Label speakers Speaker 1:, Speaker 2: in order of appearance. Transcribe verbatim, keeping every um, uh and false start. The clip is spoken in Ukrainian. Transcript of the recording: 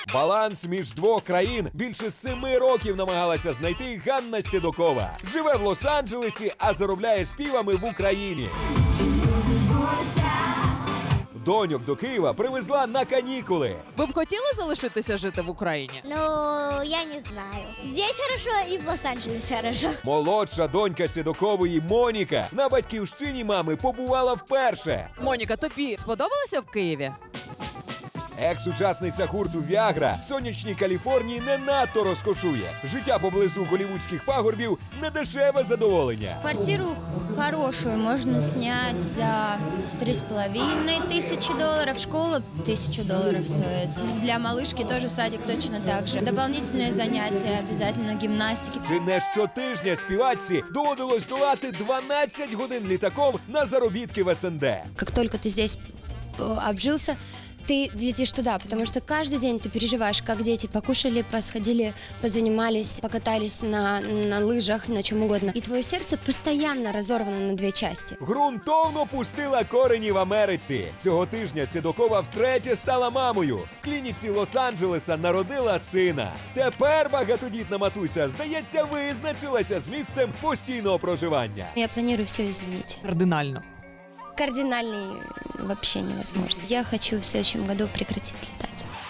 Speaker 1: Баланс між двох країн більше семи років намагалася знайти Ганна Седокова. Живе в Лос-Анджелесі, а заробляє співами в Україні. Доньок до Києва привезла на канікули.
Speaker 2: Ви б хотіли залишитися жити в Україні?
Speaker 3: Ну, я не знаю. Здесь хорошо и в Лос-Анджелесе хорошо.
Speaker 1: Молодша донька Седокової Моніка на батьківщині мами побувала вперше.
Speaker 2: Моніка, тобі сподобалося в Києві?
Speaker 1: Екс-учасниця гурту «Віагра» в сонячній Каліфорнії не надто розкошує. Життя поблизу голівудських пагорбів – недешеве задоволення.
Speaker 4: Квартиру хорошую можно снять за три с половиной тысячи долларов. Школа тысячу долларов стоит. Для малышки тоже садик точно так же. Дополнительные занятия, обязательно гимнастики.
Speaker 1: Чи не щотижня співачці доводилось долати дванадцять годин літаком на заробітки в ес ен де.
Speaker 4: Как только ты здесь э, обжился, ты летишь туда, потому что каждый день ты переживаешь, как дети покушали, посходили, позанимались, покатались на, на лыжах, на чем угодно. И твое сердце постоянно разорвано на две части.
Speaker 1: Грунтовно пустила корені в Америці. Цього тижня Седокова втретє стала мамою. В клініці Лос-Анджелеса народила сина. Тепер багатодітна матуся, здається, визначилася з місцем постійного проживання.
Speaker 4: Я планирую все изменить.
Speaker 2: Кардинально.
Speaker 4: Кардинальный вообще невозможно. Я хочу в следующем году прекратить летать.